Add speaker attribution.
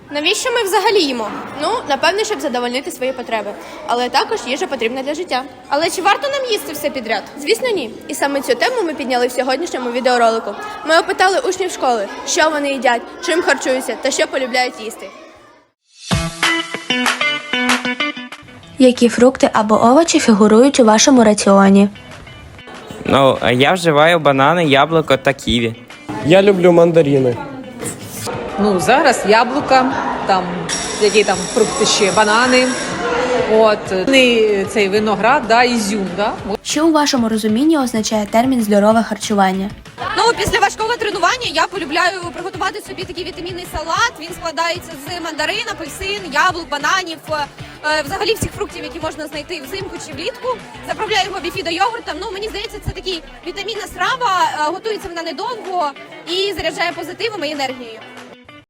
Speaker 1: Навіщо ми взагалі їмо? Ну, напевне, щоб задовольнити свої потреби. Але також їжа потрібна для життя. Але чи варто нам їсти все підряд? Звісно, ні. І саме цю тему ми підняли в сьогоднішньому відеоролику. Ми опитали учнів школи, що вони їдять, чим харчуються та що полюбляють їсти.
Speaker 2: Які фрукти або овочі фігурують у вашому раціоні?
Speaker 3: Ну, я вживаю банани, яблуко та ківі.
Speaker 4: Я люблю мандарини.
Speaker 5: Ну, зараз яблука, там, які там фрукти ще, банани, цей виноград, да, ізюм, да.
Speaker 2: Що у вашому розумінні означає термін «здорове харчування»?
Speaker 6: Ну, після важкого тренування я полюбляю приготувати собі такий вітамінний салат. Він складається з мандарин, апельсин, яблук, бананів, взагалі всіх фруктів, які можна знайти взимку чи влітку. Заправляю його біфідо-йогуртом. Ну, мені здається, це така вітамінна страва, готується вона недовго і заряджає позитивом і енергією.